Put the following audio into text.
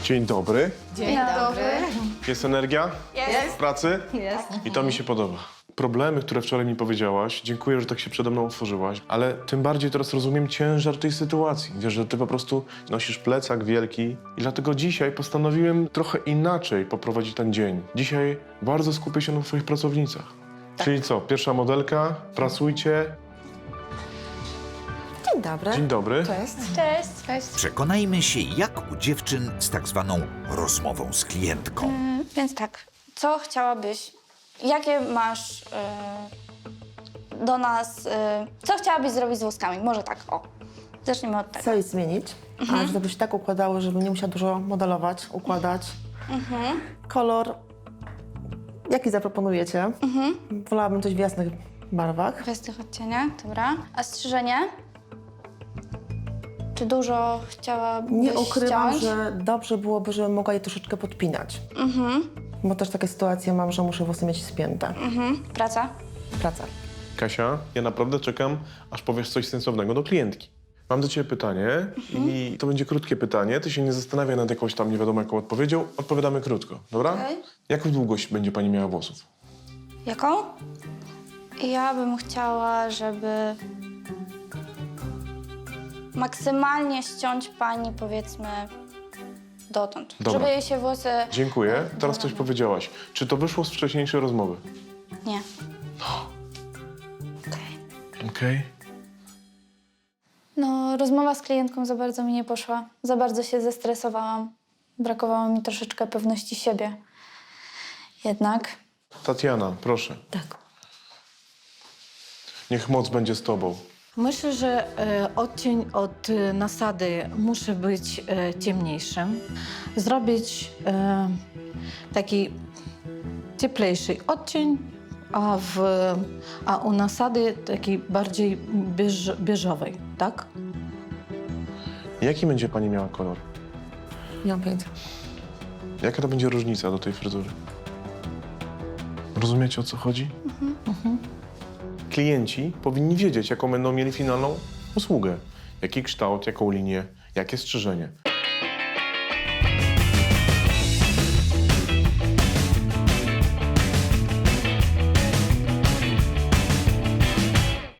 Dzień dobry. Dzień dobry. Jest energia? Jest. W pracy? Jest. I to mi się podoba. Problemy, które wczoraj mi powiedziałaś, dziękuję, że tak się przede mną otworzyłaś, ale tym bardziej teraz rozumiem ciężar tej sytuacji. Wiesz, że ty po prostu nosisz plecak wielki i dlatego dzisiaj postanowiłem trochę inaczej poprowadzić ten dzień. Dzisiaj bardzo skupię się na twoich pracownicach. Czyli co, pierwsza modelka, pracujcie. Dzień dobry. Dzień dobry. Cześć. Cześć. Cześć. Przekonajmy się, jak u dziewczyn z tak zwaną rozmową z klientką. Więc tak, co chciałabyś, jakie masz do nas, co chciałabyś zrobić z włoskami? Może tak, o. Zacznijmy od tego. Coś zmienić, a żeby się tak układało, żeby nie musiała dużo modelować, układać. Kolor, jaki zaproponujecie? Wolałabym coś w jasnych barwach. W tych odcieniach, dobra. A strzyżenie? Czy dużo chciałabyś Nie ukrywam, ściąć? że dobrze byłoby, żebym mogła je troszeczkę podpinać. Bo też takie sytuacje mam, że muszę włosy mieć spięte. Praca? Praca. Kasia, ja naprawdę czekam, aż powiesz coś sensownego do klientki. Mam do ciebie pytanie i to będzie krótkie pytanie. Ty się nie zastanawiaj nad jakąś tam nie wiadomo jaką odpowiedzią. Odpowiadamy krótko, dobra? Okej. Jaką długość będzie pani miała włosów? Jaką? Ja bym chciała, żeby maksymalnie ściąć pani, powiedzmy, dotąd. Dobra. Żeby jej się włosy... Dziękuję. Teraz coś powiedziałaś. Czy to wyszło z wcześniejszej rozmowy? Nie. Okej. No, rozmowa z klientką za bardzo mi nie poszła. Za bardzo się zestresowałam. Brakowało mi troszeczkę pewności siebie. Jednak Tatiana, proszę. Tak. Niech moc będzie z tobą. Myślę, że odcień od nasady musi być ciemniejszy. Zrobić taki cieplejszy odcień, a u nasady taki bardziej beżowy, tak? Jaki będzie pani miała kolor? Nie mam pojęcia. Jaka to będzie różnica do tej fryzury? Rozumiecie, o co chodzi? Klienci powinni wiedzieć, jaką będą mieli finalną usługę. Jaki kształt, jaką linię, jakie strzyżenie.